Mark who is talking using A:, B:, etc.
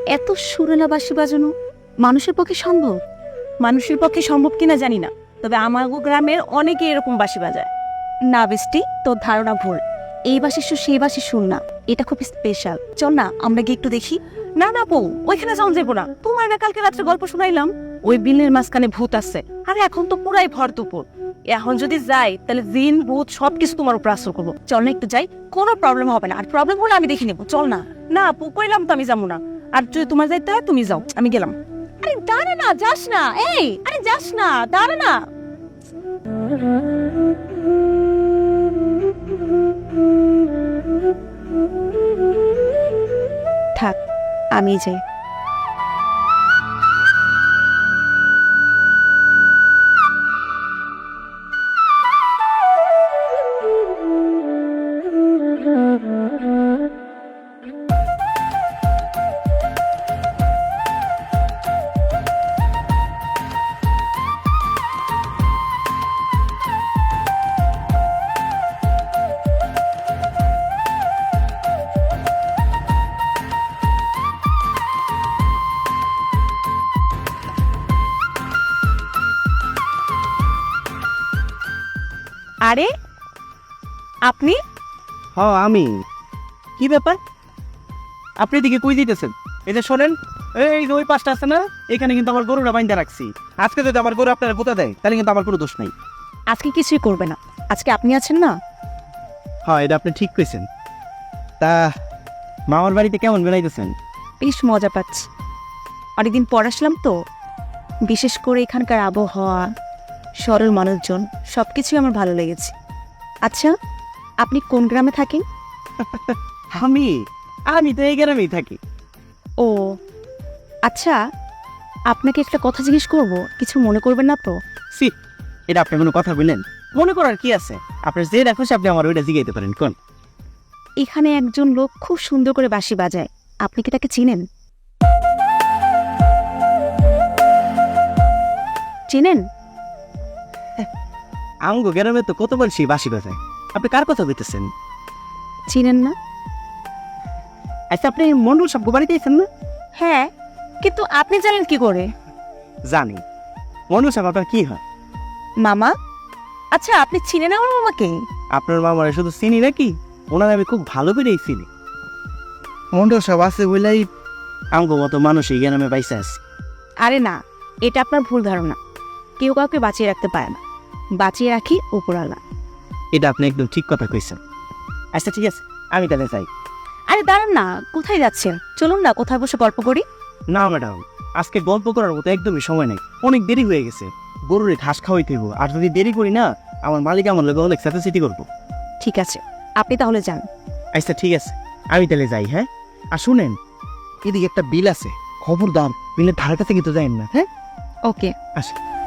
A: এত সুরেলা বাঁশি বাজানো মানুষের পক্ষে সম্ভব?
B: মানুষের পক্ষে সম্ভব কিনা জানি না, তবে আমার গ্রামের অনেকে এরকম বাঁশি বাজায়।
A: না বেস্টি, তোর ধারণা ভুল। এই বাঁশির সুর সেই বাঁশির সুর না, এটা খুব স্পেশাল। চল না আমরা গিয়ে একটু দেখি।
B: না না বউ, ওইখানে যাও যাবো না। তোমার না কালকে রাত্রে গল্প শুনাইলাম ওই বিলের মাঝখানে ভূত আছে, আরে এখন তো পুরাই ভর দুপুর। এখন যদি যাই তাহলে জিন ভূত সবকিছু তোমার উপর আসর করবো।
A: চল না একটু যাই, কোনো প্রবলেম হবে না, আর প্রবলেম হলে আমি দেখে নেবো। চল না।
B: না আপু, কইলাম তো আমি যাবো না। আর যদি তোমার যাইতে হয় তুমি যাও, আমি গেলাম।
A: আরে দাঁড়া না, যাস না। এই আরে যাস না, দাঁড়া না। থাক, আমি যাই।
B: আরে আপনি?
C: হ্যাঁ আমি। কি ব্যাপার, আপনি এদিকে কই দিতেছেন? এই যে শোনেন, এই যে ওই পাশটা আছে না, এখানে কিন্তু আমার গরুরা বাইন্ধা রাখছি। আজকে যদি আমার গরু আপনারা পোতা দেয় তাহলে কিন্তু আমার কোনো দোষ নাই।
A: আজকে কিছুই করবে না, আজকে আপনি আছেন না।
C: হ্যাঁ, এটা আপনি ঠিক কইছেন। তা মামার বাড়িতে কেমন বেড়াইতেছেন?
A: বেশ মজা পাচ্ছি, অনেকদিন পর আসলাম তো। বিশেষ করে এখানকার আবহাওয়া, সরল মানুষজন, সব কিছুই আমার ভালো লেগেছে। আচ্ছা, আপনি কোন গ্রামে থাকেন?
C: আমি আমি তো এই গ্রামেই থাকি।
A: ও আচ্ছা, আপনাকে একটা কথা জিজ্ঞেস করব, কিছু মনে করবেন না তো?
C: সি, এটা আপনি কোনো কথা বললেন? মনে করার কি আছে? আপনার যে দেখো আপনি আমার ওইটা জিগাইতে পারেন। কোন?
A: এখানে একজন লোক খুব সুন্দর করে বাঁশি বাজায়, আপনি কি তাকে চিনেন? চিনেন?
C: আমগো গ্রামে তো কত বলছি বাঁশি বাজায়, আপনি কার কথা বলতেছেন?
A: চিনেন না?
C: আচ্ছা, আপনি মন্ডল সব বাড়িতে আছেন না?
A: হ্যাঁ, কিন্তু আপনি জানেন কি করে?
C: জানি। মন্ডল সাহেব আপনার কি হয়?
A: মামা। আচ্ছা, আপনি চিনেন আমার মামাকে?
C: আপনার মামারা শুধু চিনি নাকি, ওনার আমি খুব ভালো করেই চিনি। মন্ডল সাহেব আছে বলেই আমগো মতো মানুষ এই গ্রামে পাইসা আছে।
A: আরে না, এটা আপনার ভুল ধারণা। কেউ কাউকে বাঁচিয়ে রাখতে পারে না, বাঁচিয়ে রাখি উপরওয়ালা।
C: এটা আপনি একদম ঠিক কথা কইছেন। আচ্ছা ঠিক আছে, আমি তাহলে যাই।
A: আরে দাঁড়ান না, কোথায় যাচ্ছেন? চলুন না কোথায় বসে গল্প করি।
C: না ম্যাডাম, আজকে গল্প করার মতো একদমই সময় নেই, অনেক দেরি হয়ে গেছে। গরুরে ঘাস খাওয়াইতে হইব, আর যদি দেরি করি না আমার মালিক আমার লোক অনেক স্যাটিসিটি করবো।
A: ঠিক আছে, আপনি তাহলে যান।
C: আচ্ছা ঠিক আছে, আমি তাহলে যাই। হ্যাঁ, আর শুনেন, এদিকে একটা বিল আছে, খবরদার বিলের ধারে কাছে কিন্তু যাইন না। হ্যাঁ,
A: ওকে।
C: আচ্ছা।